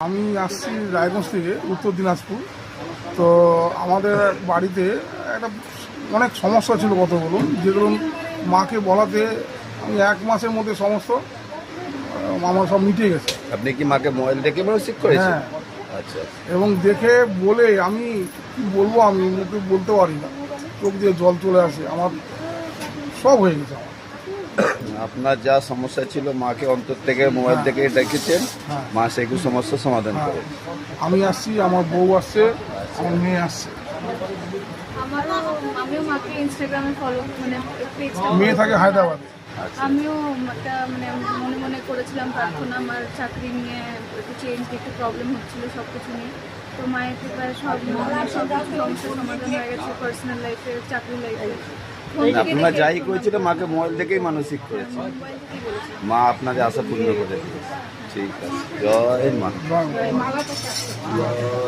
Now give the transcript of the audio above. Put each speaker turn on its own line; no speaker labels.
আমি আসছি রায়গঞ্জ থেকে, উত্তর দিনাজপুর। তো আমাদের বাড়িতে একটা অনেক সমস্যা ছিল কতগুলো, যেগুলো মাকে বলাতে আমি 1 মাসের মধ্যে সমস্ত আমার সব মিটে গেছে।
আপনি কি মাকে মোবাইল দেখে মানসিক করেছেন?
হ্যাঁ,
আচ্ছা।
এবং দেখে বলে আমি কি বলবো, আমি মুখে বলতে পারি না, চোখ দিয়ে জল চলে আসে, আমার সব হয়ে গেছে আমার।
আপনার যা সমস্যা ছিল মাকে অন্তর থেকে মোবাইল থেকে ডেকেছেন,
হ্যাঁ।
মা সেগুলো সমস্যার সমাধান
হ্যাঁ,
করে।
আমি আসছি, আমার বউ আসছে, আমার মেয়ে আসছে।
আমিও মাকে ইনস্টাগ্রামে ফলো পেজটা
মেয়ে থাকে হায়দ্রাবাদে।
আমিও একটা মনে মনে করেছিলাম প্রার্থনা, আমার চাকরি নিয়ে একটু চেঞ্জ, একটু প্রবলেম হচ্ছিল সব কিছু নিয়ে। তো মায়ের কৃপায় সব কিছু সমস্যার সমাধান হয়ে গেছে, পার্সোনাল লাইফে, চাকরি লাইফে।
আপনারা যাই করেছিল মাকে মোবাইল থেকেই মানসিক করেছেন,
মোবাইল থেকেই বলেছিলাম।
মা আপনাদের আশা পূর্ণ করে দিয়েছে। ঠিক আছে, জয় মা।
জয় মা।
জয়